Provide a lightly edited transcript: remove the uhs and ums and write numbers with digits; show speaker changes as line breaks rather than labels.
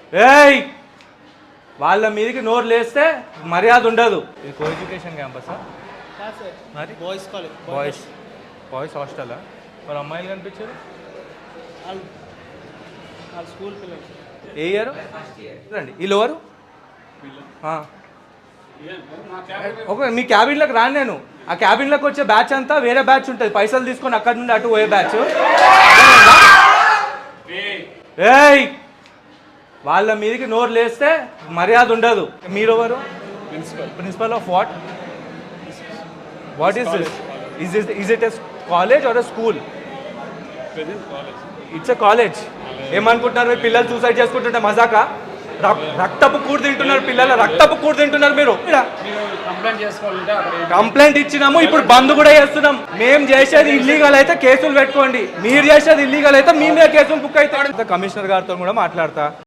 ఏయ్ వాళ్ళ మీదకి నోరు లేస్తే మర్యాద ఉండదు. ఇది కో ఎడ్యుకేషన్ క్యాంపసా? మరి
బాయ్స్ కాలేజ్,
బాయ్స్ హాస్టలా? మరి అమ్మాయిలు కనిపించారు?
వాళ్ళ స్కూల్ పిల్లలు.
ఏ ఇయర్ రండి? వీళ్ళు ఎవరు? ఒక మీ క్యాబిన్లోకి రాను నేను. ఆ క్యాబిన్లోకి వచ్చే బ్యాచ్ అంతా వేరే బ్యాచ్ ఉంటుంది, పైసలు తీసుకొని అక్కడి నుండి అటు పోయే బ్యాచ్. ఏయ్ వాళ్ళ మీదకి నోరు లేస్తే మర్యాద ఉండదు. మీరు ఎవరు? Principal of what? What is this? Is it a college or a school? It's a college. ఏమనుకుంటున్నారు మీ పిల్లలు సూసైడ్ చేసుకుంటుంటే మజాకా? రక్తపు కూడు తింటున్నారు పిల్లలు, రక్తపు కూడు తింటున్నారు మీరు. కంప్లైంట్ ఇచ్చినాము, ఇప్పుడు బంద్ కూడా చేస్తున్నాం. మేము చేసేది ఇల్లీగల్ అయితే కేసులు పెట్టుకోండి, మీరు చేసేది ఇల్లీగల్ అయితే మీ మీద కేసులు బుక్ అవుతాడు. కమిషనర్ గారితో కూడా మాట్లాడతా.